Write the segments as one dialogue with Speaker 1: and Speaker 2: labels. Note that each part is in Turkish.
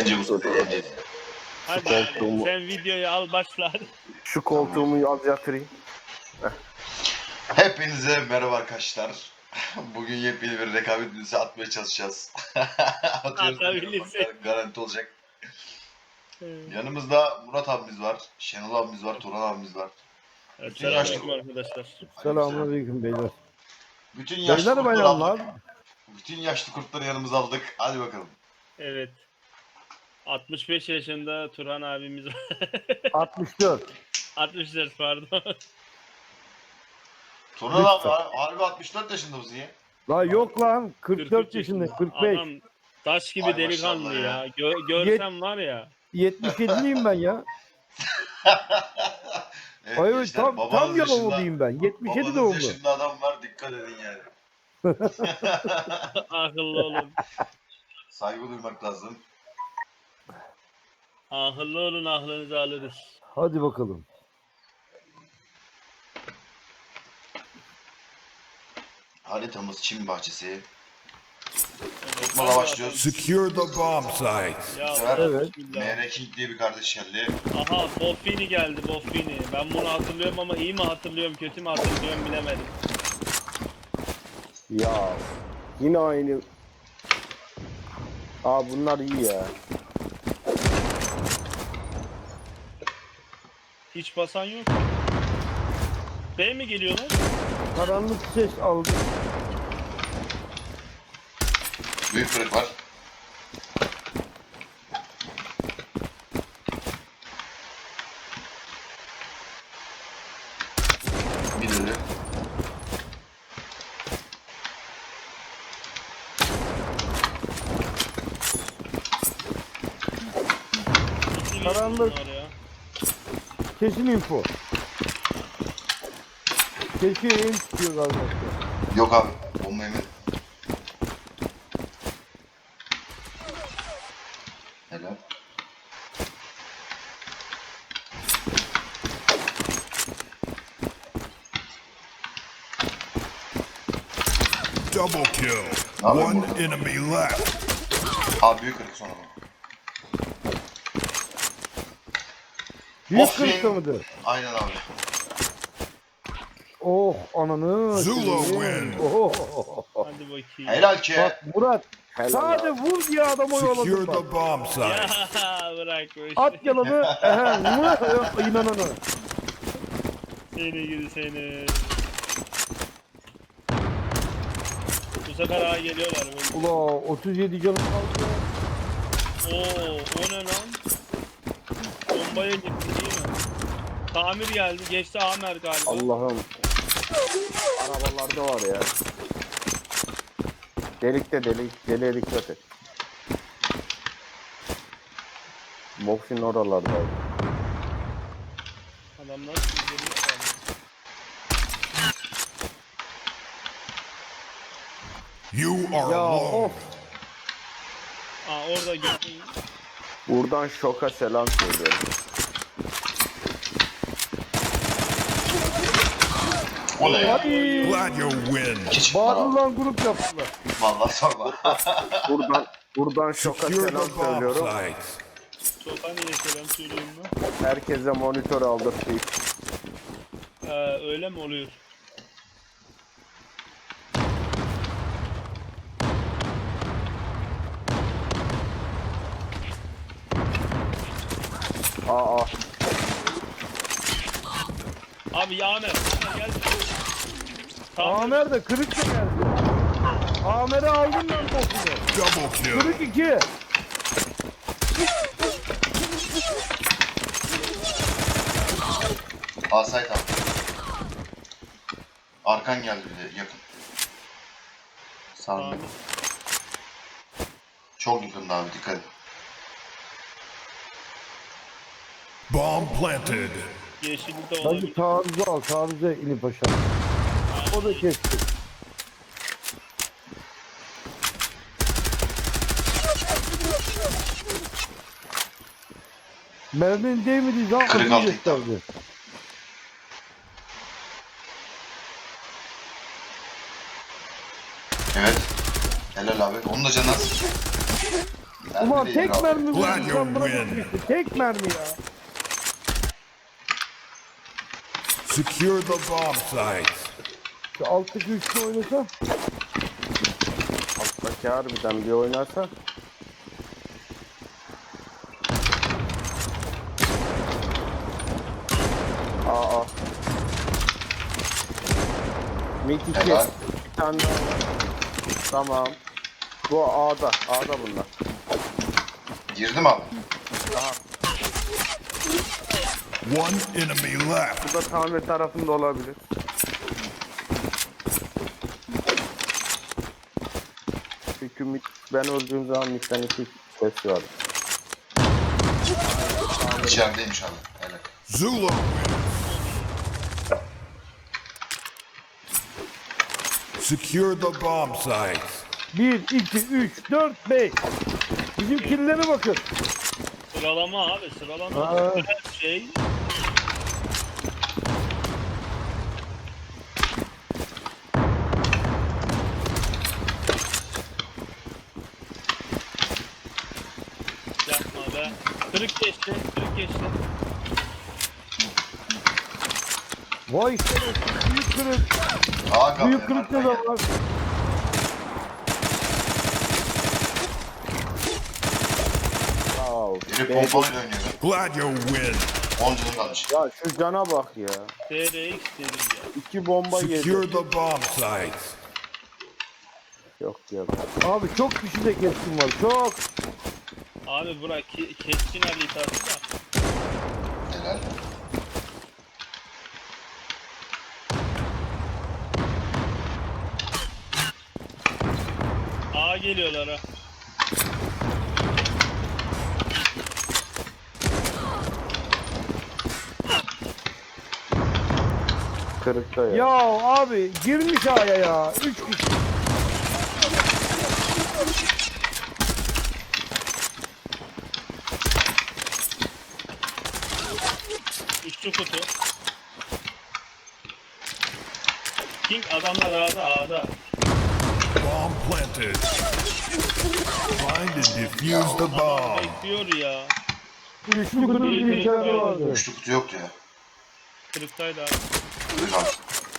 Speaker 1: Bence bu sefer yeneceğiz.
Speaker 2: Hadi
Speaker 3: koltuğumu-
Speaker 2: sen videoyu al başla.
Speaker 3: Şu koltuğumu az yatırayım.
Speaker 1: Hepinize merhaba arkadaşlar. Bugün yepyeni bir rekabet videosu atmaya çalışacağız. Atıyoruz.
Speaker 2: Atabilirsek.
Speaker 1: Garanti olacak. Yanımızda Murat abimiz var, Şenol abimiz var, Turan abimiz var.
Speaker 2: Selamünaleyküm arkadaşlar.
Speaker 3: Selamünaleyküm beyler.
Speaker 1: Bütün yaşlı
Speaker 3: Beyler
Speaker 1: kurtları
Speaker 3: bayanlar.
Speaker 1: aldık. Bütün yaşlı kurtları yanımıza aldık. Hadi bakalım.
Speaker 2: Evet. 65 yaşında Turhan abimiz var.
Speaker 3: 64.
Speaker 2: 64 pardon.
Speaker 1: Turan abi harbi 64 yaşında mısın ya?
Speaker 3: La yok lan 44
Speaker 2: 43
Speaker 3: yaşındayım,
Speaker 2: yaşında.
Speaker 3: 45.
Speaker 2: Adam taş gibi
Speaker 1: Ay
Speaker 2: delikanlı
Speaker 1: maşallah
Speaker 2: ya.
Speaker 1: ya.
Speaker 2: Görsem var ya.
Speaker 3: 77'liyim ben ya.
Speaker 1: Evet,
Speaker 3: Ay
Speaker 1: gençler,
Speaker 3: tam
Speaker 1: babanız
Speaker 3: yanılmalıyım ben. 77
Speaker 1: babanız
Speaker 3: doğumlu.
Speaker 1: yaşında adam var, dikkat edin yani.
Speaker 2: Akıllı olun.
Speaker 1: Saygı duymak lazım.
Speaker 2: Akıllı olun, aklınızı alırız.
Speaker 3: Hadi bakalım.
Speaker 1: Haritamız Çin bahçesi.
Speaker 2: Evet,
Speaker 1: Mala
Speaker 2: hadi
Speaker 1: başlıyoruz.
Speaker 4: Secure the bomb site.
Speaker 2: Ya,
Speaker 1: sefer
Speaker 3: Evet.
Speaker 2: bismillah.
Speaker 1: MR King diye bir kardeş geldi.
Speaker 2: Aha Boffini geldi Boffini. Ben bunu hatırlıyorum ama iyi mi hatırlıyorum kötü mü hatırlıyorum bilemedim.
Speaker 3: Ya yine aynı. Aa bunlar iyi ya.
Speaker 2: Hiç basan yok. B mi geliyorlar?
Speaker 3: Karanlık ses aldım.
Speaker 1: Büyük kırık var. Bir ölü.
Speaker 2: İkili
Speaker 3: Karanlık.
Speaker 2: bunlar ya.
Speaker 3: Kesin info. Kesin çıkıyor galiba.
Speaker 1: Yok abi. Bomba yemedim. Helal.
Speaker 4: Double kill.
Speaker 1: Abi,
Speaker 4: One
Speaker 1: burada.
Speaker 4: enemy left.
Speaker 1: Abi büyük kırık sonra.
Speaker 3: Büyük
Speaker 1: Of,
Speaker 3: kırıkta mıdır?
Speaker 1: Aynen abi.
Speaker 3: Oh ananı.
Speaker 4: Zula
Speaker 3: seveyim.
Speaker 4: win.
Speaker 3: Oh.
Speaker 2: Hadi bakayım.
Speaker 1: Helal ki.
Speaker 3: Bak Murat. Sadece vur diye adamı
Speaker 4: Secure
Speaker 3: oyaladım bak.
Speaker 4: the bomb
Speaker 2: Ya
Speaker 4: site.
Speaker 2: bırak bu işi.
Speaker 3: At yalanı. İnananı.
Speaker 2: Seni gidi seni. Bu sefer ağa geliyorlar. Böyle.
Speaker 3: Ula 37 canım kaldı.
Speaker 2: Oo, o ne lan? Bombaya gitti değil mi? Tamir geldi. Geçti Amer galiba.
Speaker 3: Allah'ım. Arabalarda var ya. Delikte deliğe dikkat et. Boxing oralarda.
Speaker 2: Adamlar üzerine kaldı.
Speaker 4: You are
Speaker 3: Ya
Speaker 4: alone.
Speaker 3: of.
Speaker 2: Aa orada gitti.
Speaker 3: Buradan şoka selam söylüyorum.
Speaker 1: O ne ya?
Speaker 3: Ay.
Speaker 4: Glad you win.
Speaker 1: İki çıktı lan.
Speaker 3: Bağırılan grup yaptılar.
Speaker 1: Vallahi sorma.
Speaker 3: Buradan şoka
Speaker 4: Secure
Speaker 3: selam
Speaker 4: the bomb
Speaker 3: söylüyorum.
Speaker 4: site.
Speaker 2: Sokan niye selam söyleyeyim lan?
Speaker 3: Herkese monitör aldırtayım.
Speaker 2: Öyle mi oluyor?
Speaker 3: Aa.
Speaker 2: Abi ya Amer. Amer gel. Tamir.
Speaker 3: Amer de kırık da geldi. Amer'i aldın lan boksunu.
Speaker 4: Double kill.
Speaker 3: Kırık 2.
Speaker 1: Asayt abi. Arkan geldi bir de yakın. Sağ
Speaker 2: Tamir.
Speaker 1: Çok yakında abi, dikkat et.
Speaker 4: Bomb planted.
Speaker 2: Yeşillik de
Speaker 3: Hadi
Speaker 2: olabilir.
Speaker 3: taarruzu al. Taarruza inip aşağı. O da kesti. Mermin değmediği zaman
Speaker 1: Kırık
Speaker 3: adını
Speaker 1: altı
Speaker 3: gösterdi.
Speaker 1: Evet. Helal abi. Onun da canı az.
Speaker 3: Ulan
Speaker 1: Mermi
Speaker 3: tek
Speaker 1: değil abi.
Speaker 3: mermi
Speaker 4: Glad
Speaker 3: vurdu
Speaker 4: you
Speaker 3: sen buna
Speaker 4: win.
Speaker 3: bakmışsın. Tek mermi ya.
Speaker 4: Secure the bomb sites.
Speaker 3: Şu alttaki üçlü oynasa.
Speaker 5: Alttaki harbiden bir oynarsa. Aa. Mid 2.
Speaker 1: Helal.
Speaker 5: Bir tane daha. Tamam. Bu A'da. A'da bunlar.
Speaker 1: Girdim abi.
Speaker 5: Daha.
Speaker 4: One enemy left.
Speaker 5: Bu da tamir tarafında olabilir. Çünkü mid, ben öldüğüm zaman midden iki ses var.
Speaker 1: İçerideymiş abi. Helal.
Speaker 4: Zula wins. Secure the bomb sites.
Speaker 3: 1, 2, 3, 4, 5. Bizim killere bakın.
Speaker 2: Sıralama abi sıralama.
Speaker 3: Aa.
Speaker 2: Her şey. Yapma be. Kırık geçti. Kırık geçti.
Speaker 3: Vay şerefsiz. Büyük kırık.
Speaker 1: Aa kapı.
Speaker 3: Büyük kırıkta da var.
Speaker 5: Wow.
Speaker 1: Biri pompalıyla oynuyor.
Speaker 4: Glad you win.
Speaker 1: 10 canım kalmış.
Speaker 5: Ya şu cana bak ya.
Speaker 2: TRX dedim ya.
Speaker 5: 2 bomba yedi.
Speaker 4: Secure the bomb sites.
Speaker 5: Yok ya.
Speaker 3: Abi çok kişi de keskin var. Çok.
Speaker 2: Abi bırak keskin haritası da.
Speaker 1: Helal.
Speaker 2: A geliyorlar ha.
Speaker 5: Kırıkta ya.
Speaker 3: Ya abi girmiş A'ya ya. 3 kişi.
Speaker 2: Üçlü kutu. King adamlar A'da.
Speaker 4: Bomb planted. Find and defuse the bomb.
Speaker 2: Bekliyor ya.
Speaker 3: Üçlü kırık bir içeride vardı.
Speaker 1: Üçlü kutu yoktu ya.
Speaker 2: Kırıktaydı abi.
Speaker 1: Buyur abi.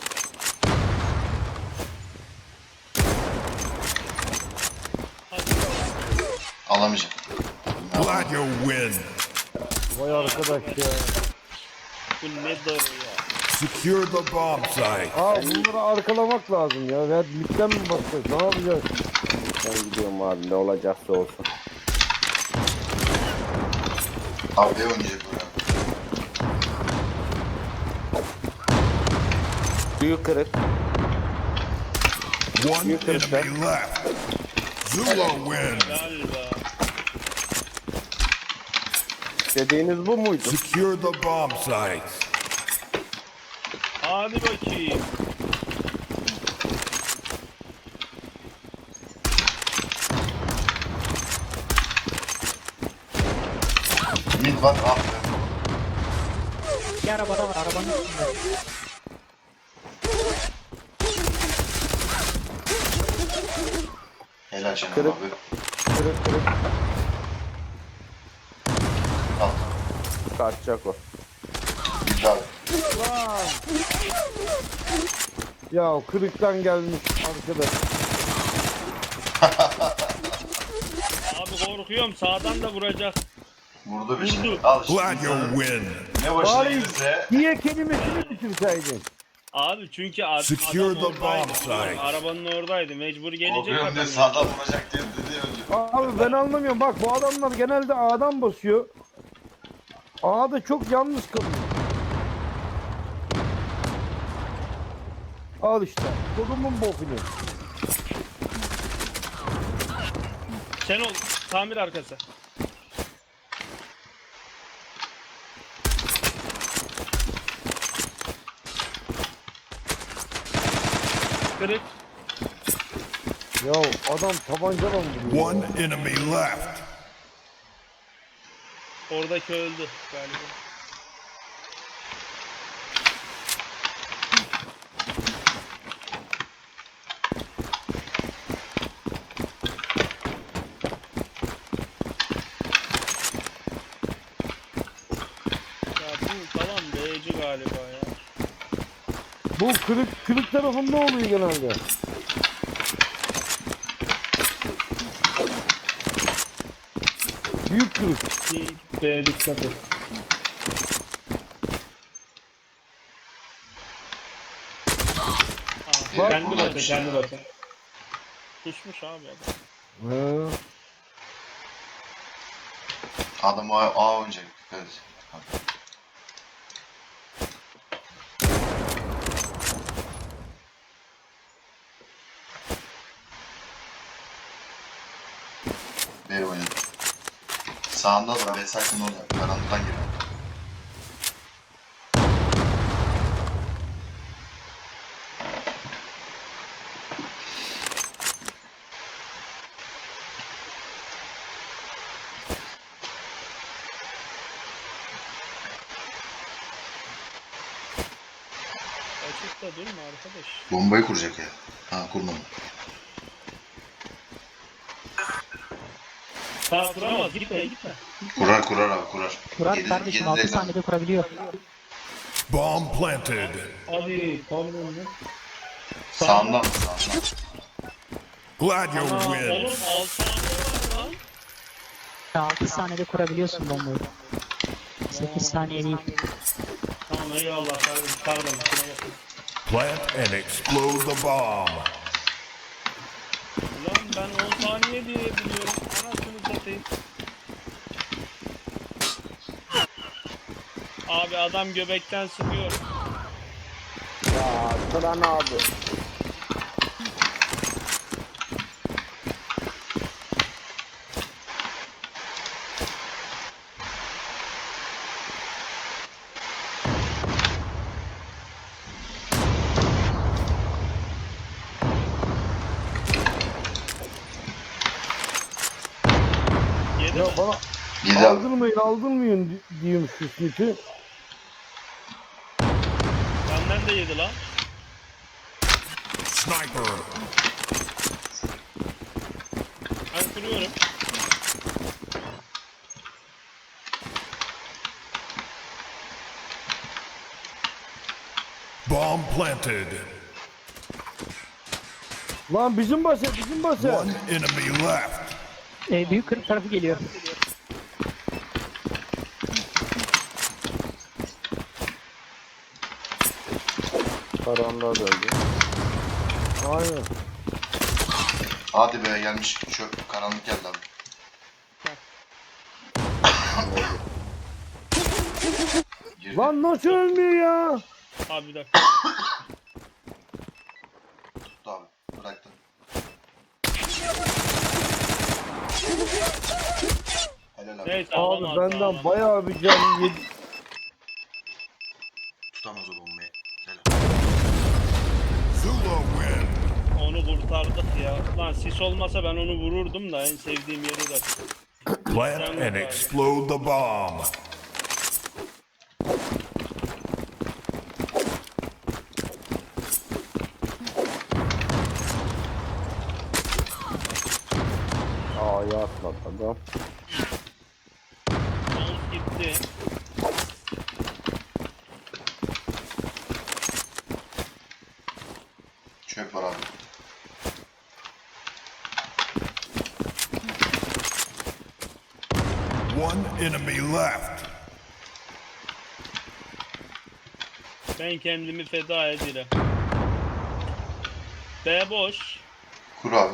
Speaker 2: Hadi.
Speaker 1: Alamayacağım.
Speaker 4: Glad you win.
Speaker 3: Vay arkadaş ya.
Speaker 2: Bu ne darı ya.
Speaker 4: Secure the bomb site.
Speaker 3: Abi bunları arkalamak lazım ya. Ya midden mi bakacağız? Ne yapacağız?
Speaker 5: Ben gidiyorum abi, ne olacaksa olsun.
Speaker 1: Abi oynayacak bu ya.
Speaker 5: Büyük kırık.
Speaker 4: One
Speaker 5: You can
Speaker 4: enemy left. Zula win.
Speaker 2: Galiba.
Speaker 5: Dediğiniz bu muydu?
Speaker 4: Secure the bomb sites.
Speaker 2: Hadi bakayım.
Speaker 1: Mid var. Ah be.
Speaker 6: Bir arabada var, arabanın üstünde.
Speaker 1: Helal canım
Speaker 5: Kırık.
Speaker 1: abi.
Speaker 5: Kırık kırık.
Speaker 1: Al.
Speaker 5: Kaçacak o.
Speaker 1: Bir daha.
Speaker 3: Ya kırıktan gelmiş arkadaş.
Speaker 2: Abi korkuyorum sağdan da vuracak.
Speaker 1: Vurdu bir
Speaker 2: Vurdu.
Speaker 1: şey. Al işte.
Speaker 4: Glad you win.
Speaker 1: Ne başına
Speaker 3: Bari
Speaker 1: gelirse.
Speaker 3: diye kelimesini bitirseydin.
Speaker 2: Abi çünkü
Speaker 4: Secure
Speaker 2: adam
Speaker 4: the
Speaker 2: oradaydı.
Speaker 4: bomb site.
Speaker 2: Arabanın oradaydı. Mecbur gelecek
Speaker 1: Korkuyorum diye
Speaker 2: adam.
Speaker 1: sağdan vuracak diye dedi önce.
Speaker 3: Abi ben anlamıyorum. Bak bu adamlar genelde A'dan basıyor. A'da çok yalnız kalıyor. Al işte. Kodumun bokunu.
Speaker 2: Sen ol. Tamir arkası. Kırık.
Speaker 3: Ya adam tabancadan vuruyor.
Speaker 4: One enemy left.
Speaker 2: Oradaki öldü galiba. Bu tamam B'ci galiba ya.
Speaker 3: Bu kırık tarafında oluyor genelde. Büyük kırık.
Speaker 2: B'ye dikkat et.
Speaker 1: Bak,
Speaker 2: Kendi
Speaker 1: burada
Speaker 2: batı,
Speaker 1: bir şey
Speaker 2: kendi
Speaker 1: var.
Speaker 2: batı. Kusmuş abi adam.
Speaker 3: He.
Speaker 1: Adam A oynayacak. Dikkat et. B oynadı. Sağında da B sakın orada. Karanlıktan giriyor.
Speaker 2: Açıkta durma arkadaş.
Speaker 1: Bombayı kuracak ya. Ha kurmadı.
Speaker 2: Sağ kuramaz, gitme gitme.
Speaker 1: Kurar abi kurar.
Speaker 6: Kurar
Speaker 1: Yedi-
Speaker 6: kardeşim
Speaker 1: yedi
Speaker 6: 6
Speaker 1: de-
Speaker 6: saniyede kurabiliyor.
Speaker 4: Bomb planted.
Speaker 2: Hadi pardon lan.
Speaker 1: Sağından mı sağından?
Speaker 4: Glad you
Speaker 2: Aa,
Speaker 4: win.
Speaker 2: oğlum 6 saniye var lan.
Speaker 6: 6 saniyede kurabiliyorsun bombayı. 8 saniye değil.
Speaker 2: Tamam eyvallah kardeşim pardon. kusura bakma.
Speaker 4: Plant and explode the bomb.
Speaker 2: Ulan ben 10 saniye diye biliyorum. Anasını satayım. Abi adam göbekten sıkıyor.
Speaker 5: Ya Sıran abi.
Speaker 2: Yedi
Speaker 3: Ya
Speaker 2: mi?
Speaker 3: bana
Speaker 1: Yedi abi.
Speaker 3: aldırmayın diyeyim şu Smith'i.
Speaker 2: Benden de yedi lan.
Speaker 4: Sniper.
Speaker 2: Ben kuruyorum.
Speaker 4: Bomb planted.
Speaker 3: Lan bizim base.
Speaker 4: One enemy left.
Speaker 6: Büyük kırık tarafı geliyor.
Speaker 5: Karanlığa döndü.
Speaker 3: Aynen.
Speaker 1: Hadi be gelmiş. Şu karanlık geldi abi. Girdi.
Speaker 3: Lan nasıl ölmüyor ya?
Speaker 2: Abi bir dakika.
Speaker 1: Tuttu abi. Bıraktı. Helal abi.
Speaker 2: Neyse
Speaker 3: Abi
Speaker 2: alamaz.
Speaker 3: benden
Speaker 2: alamaz.
Speaker 3: bayağı bir can yedi.
Speaker 1: Tutamaz o bombayı. Helal.
Speaker 4: Zula win.
Speaker 2: Onu kurtardık ya. Lan sis olmasa ben onu vururdum da en sevdiğim yeri de.
Speaker 4: Plant and explode the bomb.
Speaker 5: A'ya atladı adam.
Speaker 2: Mouse gitti.
Speaker 1: Çöp var abi.
Speaker 4: One enemy left.
Speaker 2: Ben kendimi feda ederim. B boş.
Speaker 1: Kur abi.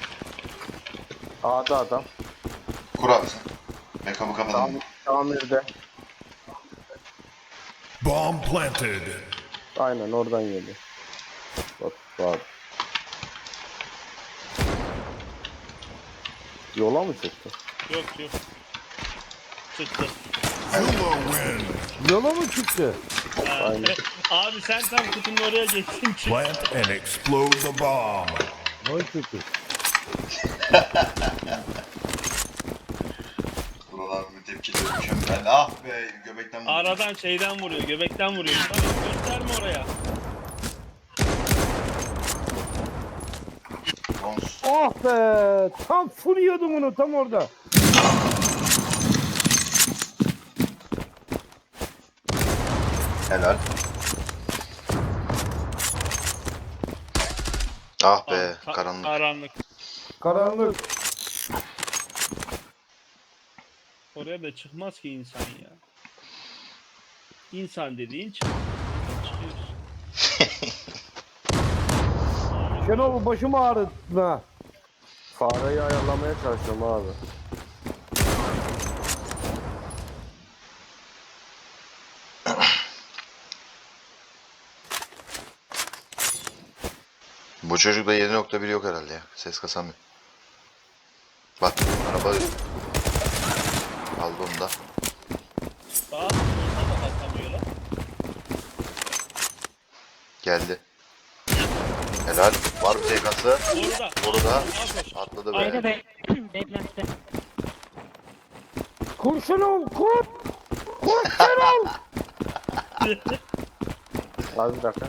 Speaker 5: A'da adam.
Speaker 1: Kur abi sen. Backup'ı kapatalım.
Speaker 5: Tamirde.
Speaker 4: Bomb planted.
Speaker 5: Aynen oradan geliyor. Bak var. Yola mı çıktı?
Speaker 2: Yok yok. Çıktı.
Speaker 4: Zula win.
Speaker 3: Yola mı çıktı?
Speaker 5: Aynen.
Speaker 2: Abi sen tam kutunun oraya geçtin çık.
Speaker 4: Plant and explode the bomb.
Speaker 3: Vay kötü.
Speaker 1: Buralar bir tepki mükemmel. Ah be göbekten vurdu.
Speaker 2: Aradan şeyden vuruyor, göbekten vuruyor. Tabii gösterme oraya.
Speaker 1: Bronz.
Speaker 3: Ah be! Tam full yiyordum onu tam orada.
Speaker 1: Helal. Ah be,
Speaker 2: Ka-
Speaker 1: karanlık.
Speaker 2: Karanlık.
Speaker 3: Karanlık.
Speaker 2: Oraya da çıkmaz ki insan ya. İnsan dediğin çıkıyorsun.
Speaker 3: Şenol başım ağrıdı. Ha.
Speaker 5: Fareyi ayarlamaya çalışıyorum abi.
Speaker 1: Bu çocukta 7.1 yok herhalde ya. Ses kasamıyor. Bak, araba aldı onu da.
Speaker 2: Daha sonra da basamıyorlar.
Speaker 1: Geldi. Helal. Var bir TK'sı.
Speaker 2: Orada.
Speaker 1: Orada.
Speaker 2: Koş.
Speaker 1: Atladı be.
Speaker 2: Aynen.
Speaker 7: Beklenti.
Speaker 3: Kur Şenol kur. Kur Şenol.
Speaker 5: Abi bir dakika.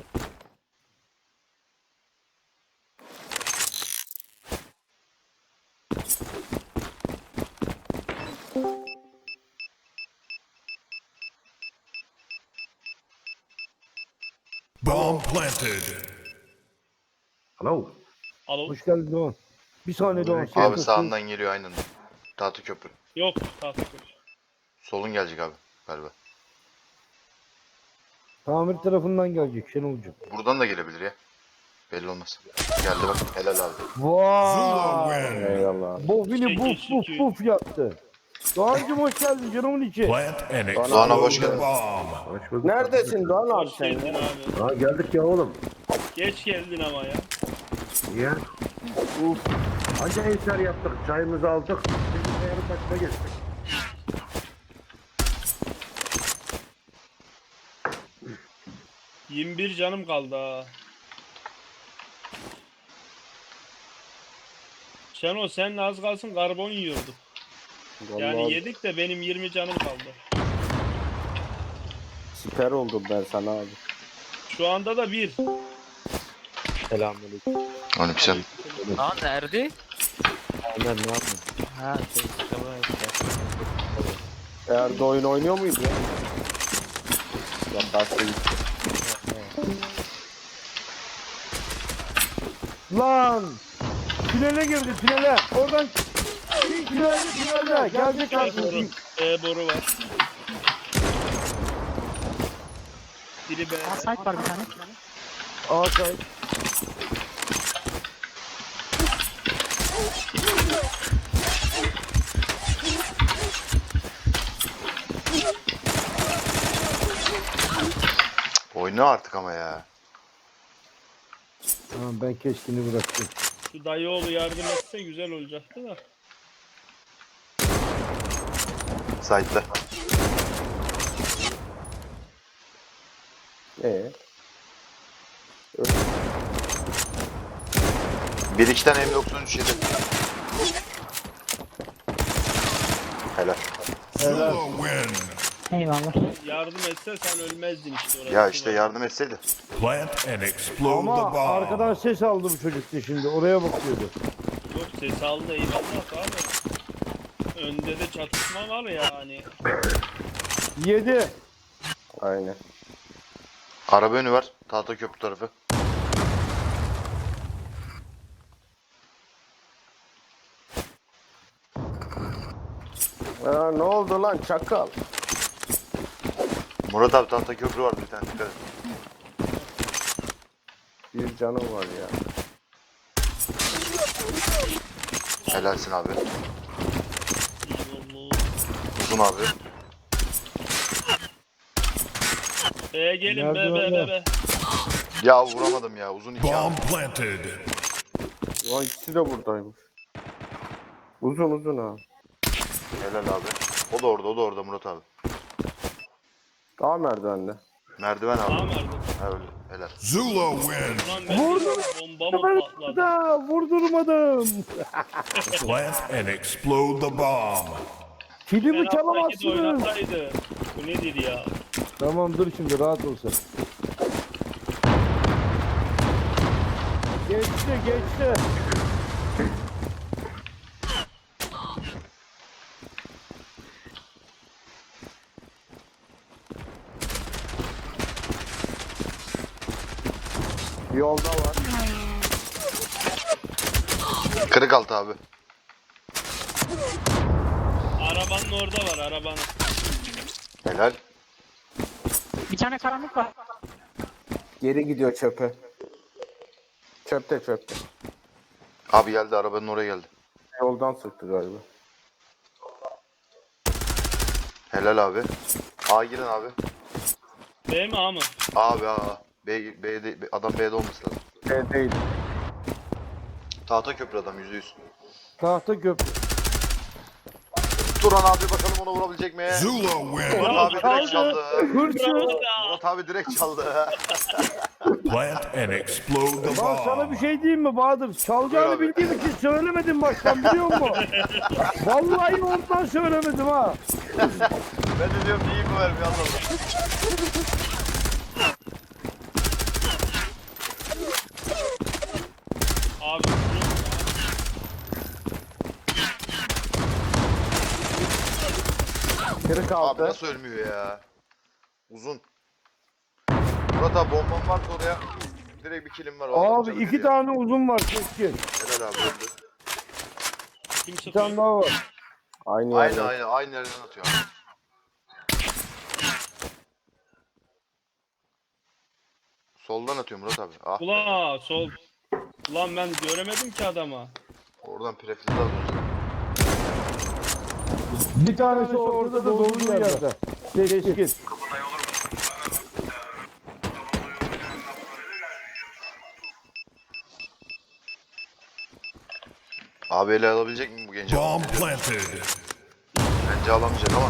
Speaker 4: Bomb planted.
Speaker 3: Alo.
Speaker 2: Alo.
Speaker 3: Hoş geldin Doğan. Bir saniye Doğan.
Speaker 1: Abi sağından geliyor aynen. Tahta köprü.
Speaker 2: Yok. Tahta koş.
Speaker 1: Solun gelecek abi galiba.
Speaker 3: Tamir tarafından gelecek Şenolcuğum.
Speaker 1: Buradan da gelebilir ya. Belli olmaz. Geldi bak. Helal abi.
Speaker 4: Zula
Speaker 3: Vay.
Speaker 4: win.
Speaker 5: Eyvallah abi.
Speaker 3: Bofini buf buf buf yaptı. Doğancım hoş geldin canımın içi.
Speaker 4: Plant and
Speaker 1: Doğan'a hoş
Speaker 4: explode the
Speaker 1: geldin.
Speaker 4: bomb.
Speaker 5: Neredesin Doğan abi
Speaker 2: Hoş
Speaker 5: sen
Speaker 2: geldin
Speaker 5: ya?
Speaker 2: abi.
Speaker 8: Ha geldik ya oğlum.
Speaker 2: Geç geldin ama ya.
Speaker 8: Niye? Uf. Anca eser yaptık. Çayımızı aldık. Şimdi yarım dakika geçtik.
Speaker 2: Hı. 21 canım kaldı ha. Şenol sen az kalsın karbon yiyorduk. Yani
Speaker 5: Vallahi
Speaker 2: yedik de benim 20 canım kaldı.
Speaker 5: siper oldum ben sana abi.
Speaker 2: Şu anda da 1.
Speaker 6: Selamünaleyküm.
Speaker 1: Aleykümselam.
Speaker 7: Aa nerede?
Speaker 6: Ömer ne yapıyorsun?
Speaker 7: Ha şey kitabı işte.
Speaker 5: Eğer de oyun oynuyor muydu ya? Ya başka
Speaker 3: Lan. Tünele girdi tünele. Oradan tünelde. Gelecek
Speaker 2: Boru.
Speaker 3: artık.
Speaker 2: Boru var. Biri B.
Speaker 7: Aa site var bir tane.
Speaker 3: Ağaçay.
Speaker 1: Oyna artık ama ya.
Speaker 3: Tamam ben keskini bıraktım.
Speaker 2: Şu dayıoğlu yardım etse güzel olacaktı da.
Speaker 1: Side'da. Bir iki tane M93 yedi. Helal.
Speaker 4: Zula win.
Speaker 7: Eyvallah.
Speaker 2: Yardım etse sen ölmezdin işte orada.
Speaker 1: Ya işte yardım etseydi.
Speaker 4: Plant and explode
Speaker 3: Ama
Speaker 4: the bomb.
Speaker 3: arkadan ses aldı bu çocuk da şimdi. Oraya bakıyordu.
Speaker 2: Yok ses aldı eyvallah abi. Önde de çatışma var yani.
Speaker 3: 7.
Speaker 5: Aynen.
Speaker 1: Araba önü var. Tahta köprü tarafı.
Speaker 5: Ya ne oldu lan çakal?
Speaker 1: Murat abi tahta köprü var bir tane. Dikkat et.
Speaker 5: Bir canım var ya.
Speaker 1: Helalsin abi.
Speaker 2: Eyvallah.
Speaker 1: Uzun abi.
Speaker 2: Gelin
Speaker 3: Nerede
Speaker 2: be be
Speaker 3: orada?
Speaker 2: be be.
Speaker 1: Ya vuramadım ya. Uzun iki abi.
Speaker 4: Bomb planted.
Speaker 5: Ulan ikisi de buradaymış. Uzun uzun ha.
Speaker 1: Helal abi. O da orada Murat abi.
Speaker 5: Daha merdivende.
Speaker 1: Merdiven abi.
Speaker 2: Tamam Erdoğan.
Speaker 1: Ha, öyle. Helal.
Speaker 4: Zula win.
Speaker 2: Lan ben
Speaker 3: Vurdum.
Speaker 2: bomba mı patladı?
Speaker 3: Da vurdurmadım.
Speaker 4: Plant and explode the bomb.
Speaker 3: Kilimi
Speaker 2: Ben alttaki de
Speaker 3: çalamazsınız.
Speaker 2: oynasaydı. Bu nedir ya?
Speaker 3: Tamam dur şimdi rahat olsun. Geçti.
Speaker 5: Yolda var.
Speaker 1: Kırık altı abi.
Speaker 2: Arabanın orada var arabanın.
Speaker 1: Helal.
Speaker 7: Bir tane karanlık var.
Speaker 5: Geri gidiyor çöpe. Çöpte.
Speaker 1: Abi geldi, arabanın oraya geldi.
Speaker 5: Yoldan sıktı galiba.
Speaker 1: Helal abi. A girin abi.
Speaker 2: B mi A mı?
Speaker 1: Abi A. B'de, adam B'de olması lazım.
Speaker 5: Değil.
Speaker 1: Tahta köprü adam %100.
Speaker 3: Tahta köprü.
Speaker 1: Turan abi bakalım ona vurabilecek mi?
Speaker 4: Zula win.
Speaker 1: Murat abi direkt çaldı.
Speaker 3: Hırsız.
Speaker 1: Murat abi direkt çaldı.
Speaker 4: Plant and explode the
Speaker 3: Bak sana
Speaker 4: bomb.
Speaker 3: bir şey diyeyim mi Bahadır? Çalacağını
Speaker 1: Buyur abi.
Speaker 3: bildiğim için söylemedim baştan biliyor musun? Vallahi ondan söylemedim ha.
Speaker 1: Ben de diyorum iyi mi vermiyor Allah Allah.
Speaker 2: Abi
Speaker 5: Kırık
Speaker 1: Abi
Speaker 5: altı.
Speaker 1: nasıl ölmüyor ya? Uzun. Murat abi bomban varsa oraya direkt bir kilim var. O adam
Speaker 3: Abi
Speaker 1: canı
Speaker 3: 2
Speaker 1: veriyor.
Speaker 3: tane uzun var keskin.
Speaker 1: Helal abi öldü.
Speaker 2: kim
Speaker 3: Bir tane
Speaker 2: sıkıyor?
Speaker 3: daha var.
Speaker 5: Aynı
Speaker 1: Aynı
Speaker 5: yerde.
Speaker 1: aynı yerden atıyor. abi. Soldan atıyor Murat abi. Ah be.
Speaker 2: Ula sol. Ulan ben göremedim ki adama.
Speaker 1: Oradan prefilde alıyorsun.
Speaker 3: Bir tanesi orada da dolu yerde. Keskin.
Speaker 1: Abi ele alabilecek mi bu genci?
Speaker 4: Bomb planted.
Speaker 1: Bence alamayacak ama.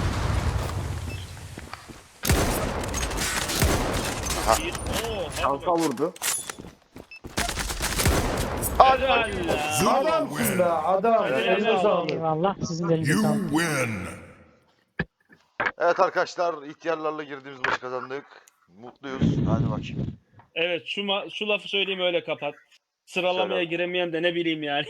Speaker 2: Bir. Oo.
Speaker 5: Şansa vurdu.
Speaker 2: Helal la.
Speaker 4: Zula
Speaker 3: Adamsın
Speaker 4: win.
Speaker 3: be adam. Eline sağlık.
Speaker 7: Eyvallah. Sizin de elinize
Speaker 4: You
Speaker 7: sağlık.
Speaker 4: win.
Speaker 1: Evet arkadaşlar, ihtiyarlarla girdiğimiz maçı kazandık. Mutluyuz. Hadi bakayım.
Speaker 2: Evet şu lafı söyleyeyim öyle kapat. Sıralamaya
Speaker 1: Söyle.
Speaker 2: giremeyen de ne bileyim yani.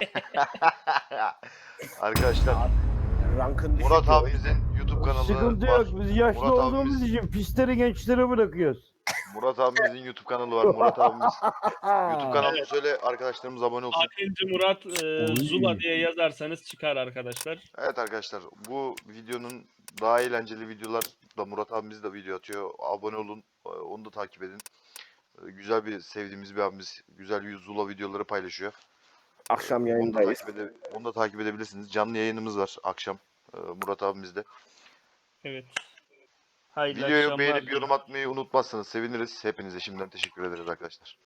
Speaker 1: Arkadaşlar,
Speaker 5: Rankın düşük.
Speaker 1: Murat abimizin YouTube kanalı
Speaker 3: Sıkıntı
Speaker 1: var.
Speaker 3: yok. Biz yaşlı
Speaker 1: Murat
Speaker 3: olduğumuz
Speaker 1: abimiz-
Speaker 3: için pisleri gençlere bırakıyoruz.
Speaker 1: Murat abimizin YouTube kanalı var. Murat abimiz YouTube kanalını söyle, arkadaşlarımız abone olsun.
Speaker 2: Akıncı Murat Zula diye yazarsanız çıkar arkadaşlar.
Speaker 1: Evet arkadaşlar, bu videonun daha eğlenceli videolar da Murat abimiz de video atıyor. Abone olun, onu da takip edin. Güzel bir, sevdiğimiz bir abimiz, güzel Zula videoları paylaşıyor.
Speaker 5: Akşam
Speaker 1: Onu da
Speaker 5: yayındayız.
Speaker 1: onu da takip edebilirsiniz. Canlı yayınımız var akşam Murat abimizde.
Speaker 2: Evet. Hayırlı
Speaker 1: Videoyu
Speaker 2: akşamlar
Speaker 1: beğenip
Speaker 2: diliyorum.
Speaker 1: yorum atmayı unutmazsanız seviniriz. Hepinize şimdiden teşekkür ederiz arkadaşlar.